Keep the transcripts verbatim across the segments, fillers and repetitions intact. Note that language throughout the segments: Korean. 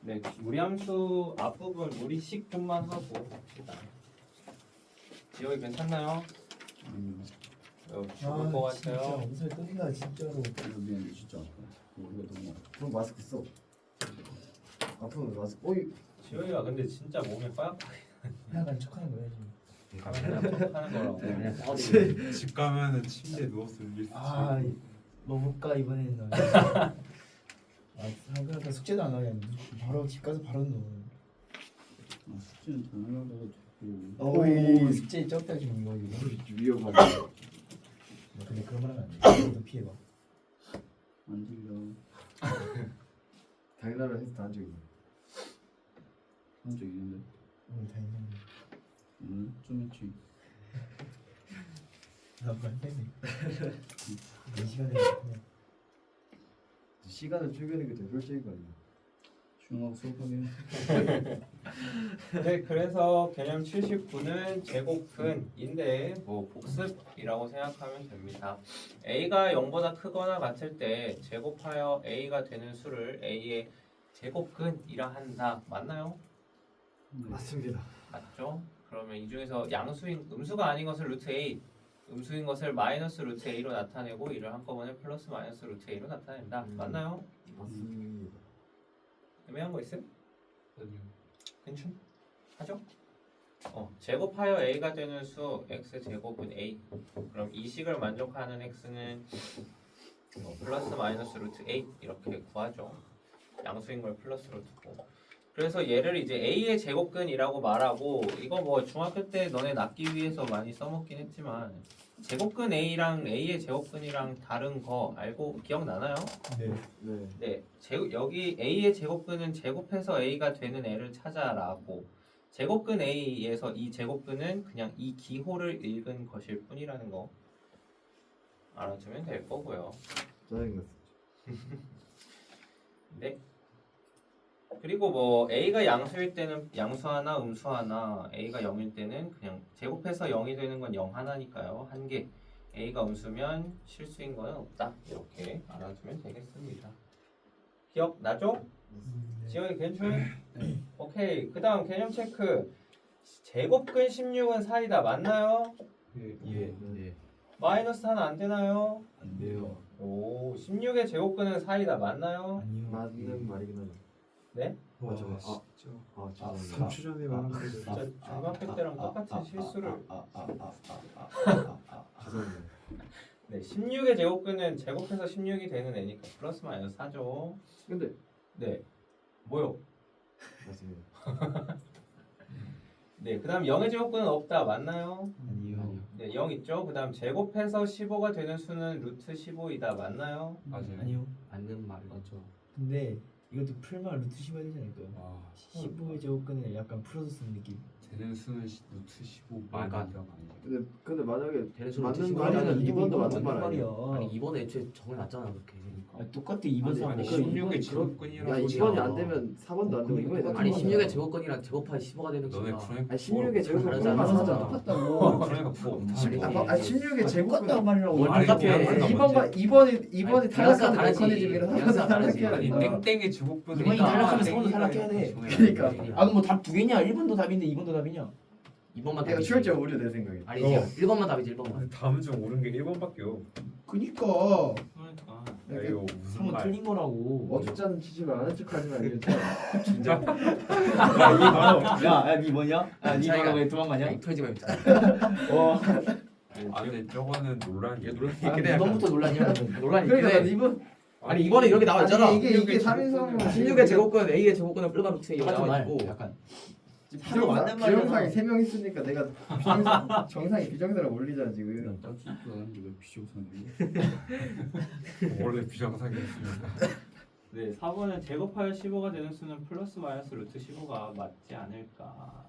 네, 무리함수 앞부분 무리식 좀만 하고 봅시다. 지역이 괜찮나요? 음, 어, 죽을 것 진짜 같아요. 엄살 뜬다 진짜로. 이거 미안해 진짜 아파. 우리가 너무 아파. 그럼 마스크 써. 아프면 마스크. 어이. 지역이가 근데 진짜 몸에 빠약하게 약간 척하는 거야 지금. 하는 거라고. 네. 집 가면은 침대에 누워서 일수 아 먹을까 이번에는. 아 그러니까 숙제도 안 하냐. 바로 집 가서 바로 넣어. 아, 숙제는 당연하다고 듣고. 어이 숙제 적다 지금 이거 이거. 위험하다. 근데 그런 말 하면 안 돼. 너도 피해봐. 안 들려. 당연하라 해서 다한 적 있네. 한 적 있는데. 응 다행이네. 오늘 좀 했지. 나말 때문에. 네 시간에 그냥. 시간을 쪼개는 게 더 효율적인 거 아니야? 조용하고 수업하게. 네, 그래서 개념 칠십구는 제곱근인데 뭐 복습이라고 생각하면 됩니다. a가 영보다 크거나 같을 때 제곱하여 a가 되는 수를 a의 제곱근이라 한다. 맞나요? 맞습니다. 맞죠? 그러면 이 중에서 양수인 음수가 아닌 것을 루트 a, 음수인 것을 마이너스 루트 a로 나타내고 이를 한꺼번에 플러스 마이너스 루트 a로 나타낸다. 음. 맞나요? 맞습니다. 애매한 거 있음? 괜찮? 하죠? 어, 제곱하여 a가 되는 수 x 제곱은 a. 그럼 이 식을 만족하는 x는 어, 플러스 마이너스 루트 a 이렇게 구하죠. 양수인 걸 플러스로 두고. 그래서 얘를 이제 a의 제곱근이라고 말하고 이거 뭐 중학교 때 너네 낚기 위해서 많이 써먹긴 했지만 제곱근 a랑 a의 제곱근이랑 다른 거 알고 기억나나요? 네. 네. 네, 제, 여기 a의 제곱근은 제곱해서 a가 되는 애를 찾아라고. 제곱근 a에서 이 제곱근은 그냥 이 기호를 읽은 것일 뿐이라는 거 알아두면 될 거고요. 짜증났어. 네. 그리고 뭐 a가 양수일 때는 양수 하나, 음수 하나, a가 영일 때는 그냥 제곱해서 영이 되는 건 영 하나니까요. 한 개. a가 음수면 실수인 거는 없다. 이렇게 알아두면 되겠습니다. 기억나죠? 지영이 괜찮아? 오케이. 그 다음 개념 체크. 제곱근 십육은 사이다. 맞나요? 예. 예. 마이너스 하나 안 되나요? 안 돼요. 오, 십육의 제곱근은 사이다. 맞나요? 아니요. 맞는 말이긴 하죠. 네? 맞아. 와, 아, 진짜 아, 죄송합니다. 삼 초 전에 말한 거 진짜 중학교 때랑 똑같은 실수를. 죄송합니다. 네, 십육의 제곱근은 제곱해서 십육이 되는 애니까 플러스 마이너스 사죠. 근데 네. 뭐요? 맞습니다. 네, 그 다음 영의 제곱근은 없다. 맞나요? 아니요. 네, 영 있죠. 그 다음 제곱해서 십오가 되는 수는 루트 십오이다. 맞나요? 맞아요. 아니요. 맞는 말. 맞죠. 근데 이것도 풀만 루트 십오 되지 않을까요? 와, 십오의 제곱근을 약간 풀어서 쓰는 느낌. 되는 수는 시- 루트 십오 그러니까. 만이라고 아니에요. 근데 근데 만약에 되는 수는 맞는 루트 말이면 십오라는 이번도 이건 맞는 말 아니야? 아니 이번에 애초에 정해놨잖아 그렇게. 아, 똑같아 이번 아니, 사람. 아니 그 십육의 이번 제곱근이라고 야 소리야. 이번이 안 되면 사 번도 안 되고 어, 이번이 그러니까 아니 똑같은 십육의 거야. 제곱근이랑 제곱하기 십오가 되는 너네 거야. 그러니까 아니 십육의 제곱은 다르잖아. 얼마 사자 사자. 똑같다고. 그러니까 그거 아니, 없지. 아, 아 십육의 제곱은 똑같다고 말이라고. 뭘 아니, 똑같아. 그냥 아니, 뭔지. 이번과 이번이 이번이 아니, 탈락하는 다르지. 메커니즘이랑 뉘앙스가 다르지. 탈락해야 아니 된다. 땡땡의 제곱근은 이번이 그러니까 탈락하면 땡땡이가 삼번도 탈락해야 돼. 그러니까. 아 그럼 뭐 답 두 개냐? 일 번도 답인데 이 번도 답이냐? 이 번만 내가 답이지. 출제 오류 내 생각에. 아니지. 어. 일 번만 답이지 일 번만. 근데 다음 중 옳은 게 일 번밖에요. 그니까 그러니까. 야, 이거 무슨 한번 말? 틀린 거라고. 어쩌자는 치지만 아는 척하지 말고 진짜? 야야니 뭐냐? 야니 자기가- 뭐라고 왜 도망가냐? 이 털지 말자. 어. 아 근데 저거는 논란이. 얘 논란 아, 있긴 해. 이번부터 논란이야. 논란이 있긴 그러니까 해. 이번 아니 이번에 이렇게 나와 있잖아. 아니, 이게 이게 십육의 삼인성 제곱근은 십육의 제곱근 A의 제곱근은 플러스 루트 A가 똑같은 나와 말. 있고. 약간. 비정상 맞는 말이잖아. 비정상이 세 명 있으니까 내가 비정상 정상이 비정상을 올리잖아 지금. 딱지도 않는데 왜 비정상이야? 원래 비정상이었으니까. 네, 사 번은 제곱하여 십오가 되는 수는 플러스 마이너스 루트 십오가 맞지 않을까?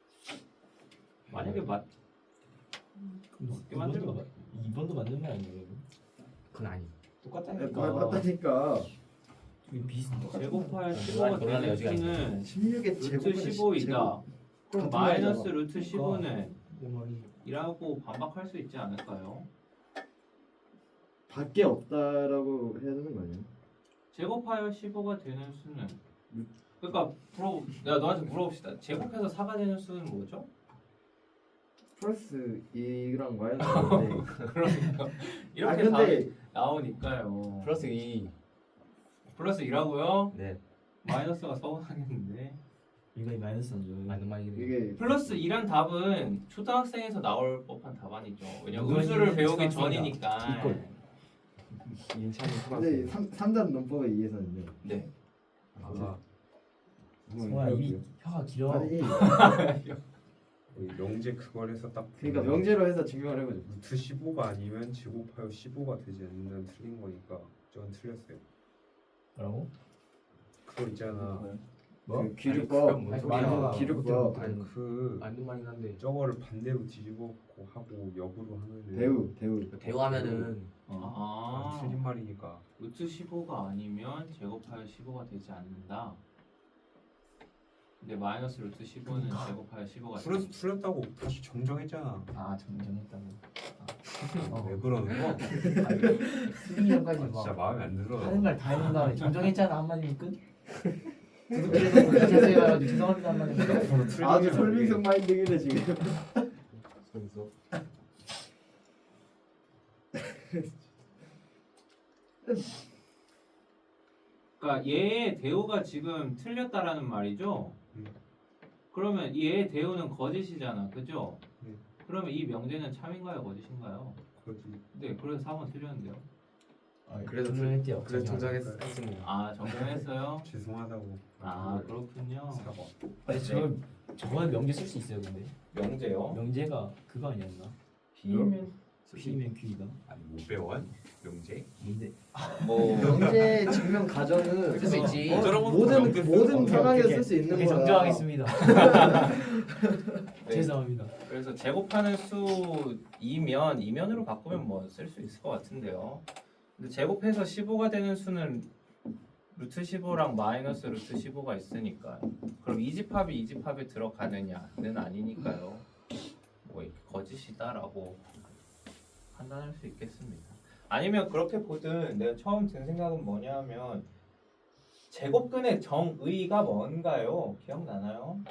만약에 맞 맞게 만들면 맞- 이 번도 맞는 말 아니에요? 그건 아니. 말 맞다니까. 이게 비슷. 제곱하여 십오가 논란의 되는 여지가 수는 십육의 루트 제곱은 십오이다. 그럼 같은 마이너스 말이잖아. 루트 십오는 내 말이. 이라고 반박할 수 있지 않을까요? 밖에 없다라고 해야 되는 거 아니야? 제곱하여 십오가 되는 수는 그러니까 물어 내가 너한테 물어봅시다. 제곱해서 사가 되는 수는 뭐죠? 플러스 이랑 마이너스인데. 그러니까 아 이렇게 근데 답이 나오니까요. 플러스 이. 플러스 이라고요? 네. 마이너스가 서운하겠는데. 이거 마이너스 안 줘요. 맞는 말이네. 이게 플러스 이란 답은 초등학생에서 나올 법한 답안이죠. 왜냐면 이건 음수를 배우기 초등학생이다. 전이니까. 이꼴. 인천이 근데 삼 삼단 논법에 의해서는요. 네. 아, 성아 입이 혀가 길어. 아니 이 명제 그걸 해서 딱 그러니까 보면 명제로 해서 증명을 해보죠. 루트 십오가 아니면 제곱하여 십오가 되지 않는다는 틀린 거니까 저건 틀렸어요. 뭐라고? 그거 있잖아. 뭐? 그 기류법. 뭔 아니, 소리야. 말해봐. 기류법. 아니 그 맞는 말이긴 한데. 저거를 반대로 뒤집어고 하고 역으로 하면은 대우 대우. 대우하면은 아, 아, 틀린 말이니까. 루트 십오가 아니면 제곱하여 십오가 되지 않는다. 근데 마이너스 루트 십오는 제곱하여 십오가 풀었, 되지. 풀었다고 다시 정정했잖아. 아 정정했다고. 어. 왜 그러는 거? 수빈이 형까지 아, 진짜 막 마음에 안 들어. 하는 말 다 해놓은 다음에 정정했잖아 한마디면 끝. 구독자에서 구독하세요 해가지고 죄송합니다 한마디면 끝. 아주 설빙성 마인드기네 지금. 그래서 그러니까 얘의 대우가 지금 틀렸다라는 말이죠. 음. 그러면 얘의 대우는 거짓이잖아, 그죠? 네. 그러면 이 명제는 참인가요, 거짓인가요? 거지. 네, 그래서 사 번 틀렸는데요. 아, 그래도 정정했대요. 그래서 정정하고. 정정했습니다. 아 정정했어요? 죄송하다고. 아 그렇군요. 사과. 아니 저 저건 명제 쓸 수 있어요 근데. 명제요? 명제가 그거 아니었나? P면 P면 Q가 아니 못 배워? 명제? 뭔데? 뭐 명제 증명 가정은 쓸수 있지. 어, 저런 것도 모든 명제 쓰- 모든 오케이, 상황에 오케이, 쓸 수 있는 오케이, 거야. 정정하겠습니다. 네. 죄송합니다. 그래서 제곱하는 수 이면 이면으로 바꾸면 뭐 쓸 수 있을 것 같은데요. 근데 제곱해서 십오가 되는 수는 루트 십오랑 마이너스 루트 십오가 있으니까 그럼 이집합이 이집합에 들어가느냐는 아니니까요. 뭐 이렇게 거짓이다라고 판단할 수 있겠습니다. 아니면 그렇게 보든 내가 처음 든 생각은 뭐냐면 제곱근의 정의가 뭔가요? 기억나나요?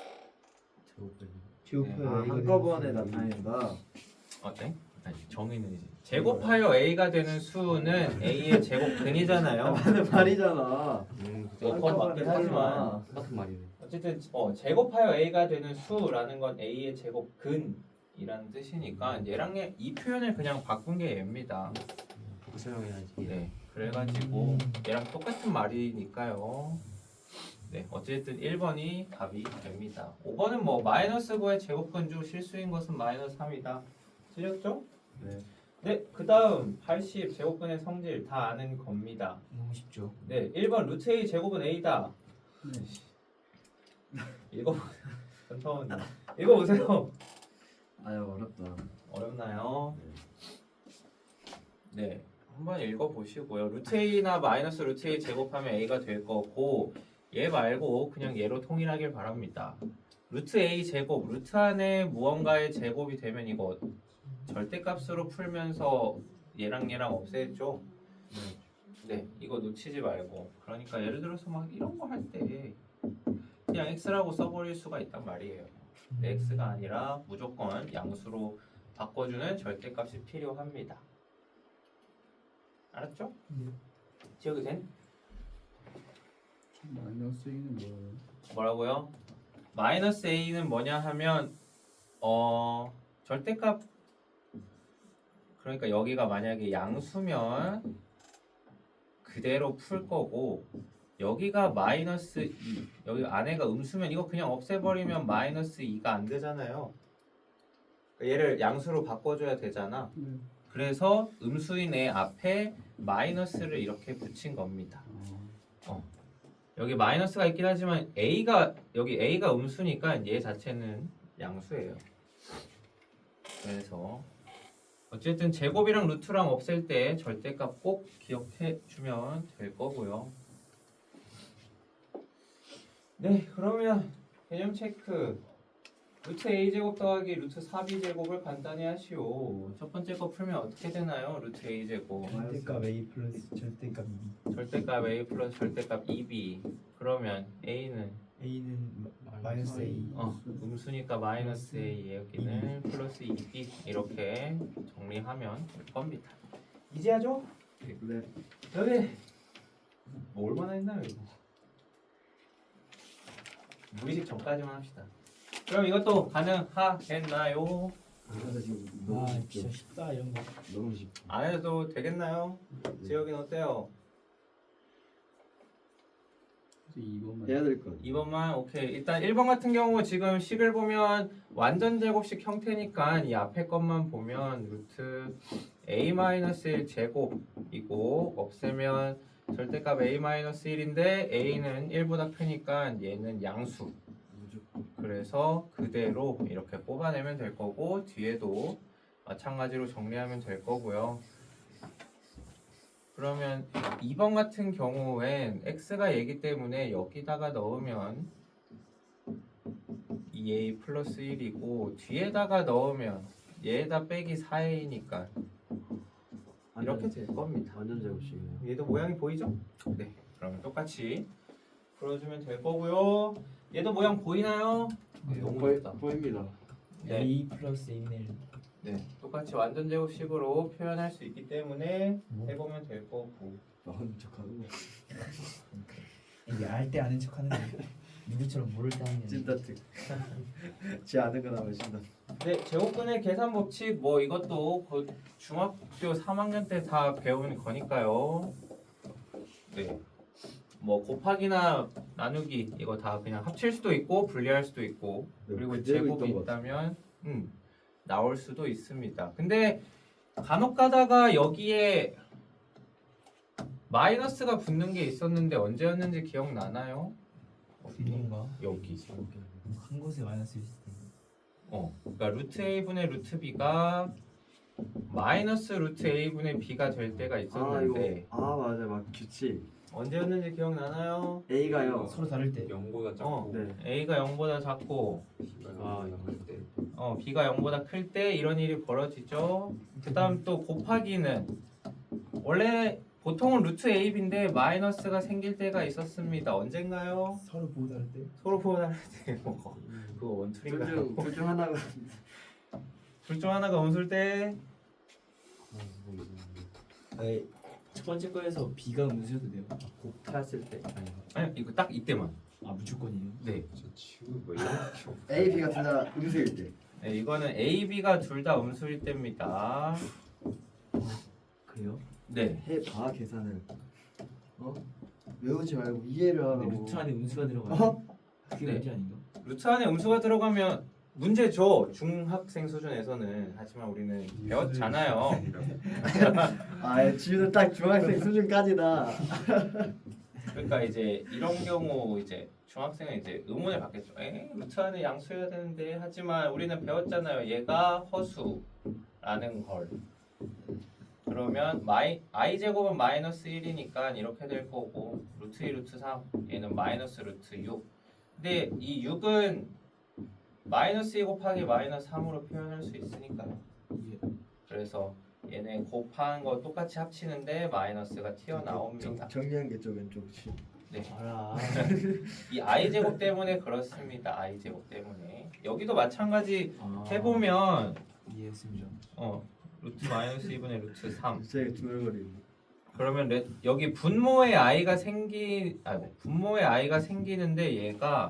제곱해요. 아, 한꺼번에 나타낸다. 어때? 아니 정의는 이제 제곱하여 a가 되는 수는 a의 제곱근이잖아요. 하는 말이잖아. 음, 뭐 그건 맞긴 하지만 똑같은 말이네. 어쨌든 어, 제곱하여 a가 되는 수라는 건 a의 제곱근이라는 뜻이니까 얘랑 얘- 이 표현을 그냥 바꾼 게 얘입니다. 그렇게 설명해야지. 네, 그래가지고 얘랑 똑같은 말이니까요. 네, 어쨌든 일 번이 답이 됩니다. 오 번은 뭐 마이너스 구의 제곱근 중 실수인 것은 마이너스 삼이다. 틀렸죠? 네. 네, 그 다음 팔십 제곱근의 성질 다 아는 겁니다. 너무 쉽죠. 네, 일 번 루트 a 제곱은 a다. 읽어보세요. 전타원 읽어보세요. 아유 어렵다. 어렵나요? 네, 한번 읽어보시고요. 루트 a나 마이너스 루트 a 제곱하면 a가 될 거고 얘 말고 그냥 얘로 통일하길 바랍니다. 루트 a 제곱, 루트 안에 무언가의 제곱이 되면 이거 절대값으로 풀면서 얘랑 얘랑 없애죠. 네, 이거 놓치지 말고. 그러니까 예를 들어서 막 이런 거 할 때 그냥 x라고 써버릴 수가 있단 말이에요. 근데 x가 아니라 무조건 양수로 바꿔주는 절대값이 필요합니다. 알았죠? 네. 기억이 된? 마이너스 이는 뭐예요? 뭐라고요? 마이너스 a는 뭐냐 하면 어 절대값 그러니까 여기가 만약에 양수면 그대로 풀 거고 여기가 마이너스 이 여기 안에가 음수면 이거 그냥 없애버리면 마이너스 이가 안 되잖아요. 그러니까 얘를 양수로 바꿔줘야 되잖아. 네. 그래서 음수인 애 앞에 마이너스를 이렇게 붙인 겁니다. 어. 여기 마이너스가 있긴 하지만 a가 여기 a가 음수니까 얘 자체는 양수예요. 그래서 어쨌든 제곱이랑 루트랑 없앨 때 절대값 꼭 기억해 주면 될 거고요. 네, 그러면 개념 체크 루트 a 제곱 더하기 루트 사 비 제곱을 간단히 하시오. 첫 번째 거 풀면 어떻게 되나요? 루트 a 제곱 절대값 A 플러스 절대값 이. 절대값 a 플러스 절대값 이 비. 그러면 a는 A는 마- 마이너스 A. 어 음수니까 마이너스 a, 여기는 플러스 이 비. 이렇게 정리하면 될 겁니다. 이제 하죠? 네. 여기 뭐 얼마나 했나요 이거? 무의식 전까지만 합시다. 그럼 이것도 가능하겠나요? 그래서 지금 아 너무 진짜 쉽죠. 쉽다 이런 거. 너무 쉽죠. 안 해도 되겠나요? 지혁이는 어때요? 이것만 해야 될 것. 이 번만 오케이. 일단 일 번 같은 경우 지금 식을 보면 완전 제곱식 형태니까 이 앞에 것만 보면 루트 a-일 제곱이고 없애면 절대값 a-일인데 a는 일보다 크니까 얘는 양수. 그래서 그대로 이렇게 뽑아내면 될 거고 뒤에도 마찬가지로 정리하면 될 거고요. 그러면 이 번 같은 경우엔 x가 얘기 때문에 여기다가 넣으면 이 에이 플러스 일이고 뒤에다가 넣으면 얘에다 빼기 사 에이니까 이렇게 될 겁니다. 완전 제곱식이네요. 얘도 모양이 보이죠? 네. 그러면 똑같이 풀어주면 될 거고요. 얘도 모양 보이나요? 네, 너무 보이, 예쁘다. 보입니다. 네. A 플러스 A는 일. 네. 똑같이 완전 제곱식으로 표현할 수 있기 때문에 뭐? 해보면 될 거고. 나온 척하는 거. 이게 알 때 아는 척하는 거. 누구처럼 모를 때 하는 게. 찐따특. 지 않은 거 나오면 신다. 네, 제곱근의 계산 법칙 뭐 이것도 곧 중학교 삼 학년 때 다 배우는 거니까요. 네. 뭐 곱하기나 나누기 이거 다 그냥 합칠 수도 있고 분리할 수도 있고 그리고 그대로 제곱이 있던 것 같아. 있다면 음, 나올 수도 있습니다. 근데 간혹 가다가 여기에 마이너스가 붙는 게 있었는데 언제였는지 기억나나요? 이건가? 여기. 한 곳에 마이너스 있을 텐데. 어, 그러니까 루트 a분의 루트 b가 마이너스 루트 a분의 b가 될 때가 아 이거 있었는데 아 맞아 막 규칙 언제였는지 기억나나요? A가요. 서로 다를 때. 영보다 어, 작고 네. a가 영보다 작고 아, 때 어, b가 영보다 클 때 이런 일이 벌어지죠. 그다음 또 곱하기는 원래 보통은 루트 ab인데 마이너스가 생길 때가 있었습니다. 언젠가요? 서로 보고 다를 때. 서로 보다 뭐 그거 원툴인가요? 둘중 하나가 둘 중 하나가 원술 때 아니, 첫 번째 거에서 B가 음수여도 돼요. 곱했을 때 아니 아니 이거 딱 이때만. 아 무조건이에요. 네. 저 지금 뭐 이렇게 A, B가 둘 다 음수일 때. 네, 이거는 A, B가 둘 다 음수일 때입니다. 그래요? 네. 해봐 계산을. 어? 외우지 말고 이해를 근데 하라고. 루트 안에 음수가 들어가요. 어? 그게 네. 문제 아닌가? 루트 안에 음수가 들어가면 문제죠. 중학생 수준에서는. 하지만 우리는 배웠잖아요. 아, 지우는 딱 중학생 수준까지다. 그러니까 이제 이런 경우 이제 중학생은 이제 의문을 받겠죠. 에? 루트 안에 양수여야 되는데 하지만 우리는 배웠잖아요. 얘가 허수라는 걸. 그러면 마이, i 제곱은 마이너스 일이니까 이렇게 될 거고 루트 이 루트 삼 얘는 마이너스 루트 육. 근데 이 육은 마이너스 이 곱하기 마이너스 삼으로 표현할 수 있으니까요. 그래서 얘네 곱하는 거 똑같이 합치는데 마이너스가 튀어나옵니다. 정리한 게 좀 왼쪽 치. 네. 알아. 이 i 제곱 때문에 그렇습니다. i 제곱 때문에 여기도 마찬가지 아, 해보면 이해했습니다. 어 루트 마이너스 이분의 루트 삼. 진짜 중얼거리네. 그러면 레, 여기 분모의 i가 생기 아 분모의 i가 생기는데 얘가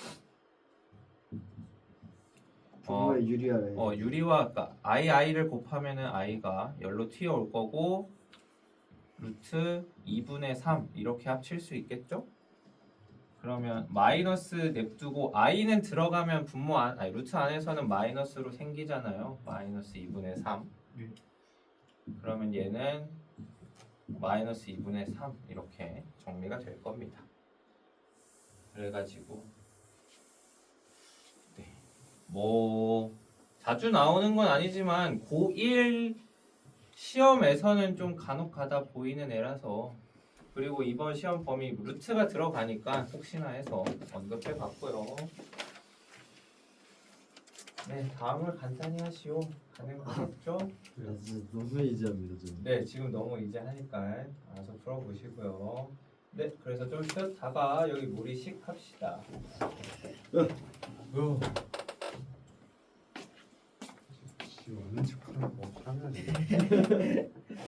어, 부모의 유리하래. 어 유리와 그러니까 i i를 곱하면은 i가 열로 튀어올 거고 루트 이분의 삼 이렇게 합칠 수 있겠죠? 그러면 마이너스 냅두고 i는 들어가면 분모 안 아니 루트 안에서는 마이너스로 생기잖아요. 마이너스 이분의 삼. 네. 그러면 얘는 마이너스 이분의 삼 이렇게 정리가 될 겁니다. 그래가지고 네. 뭐 자주 나오는 건 아니지만 고일 시험에서는 좀 간혹 가다 보이는 애라서 그리고 이번 시험 범위 루트가 들어가니까 혹시나 해서 언급해 봤고요. 네, 다음을 간단히 하시오. 가는 거겠죠? 아, 진짜 너무 이지합니다 좀. 네, 지금 너무 이제 하니까 알아서 풀어보시고요. 네, 그래서 좀 쉬었다가 여기 무리식 합시다. 어. 지 없는 척하는 거 하면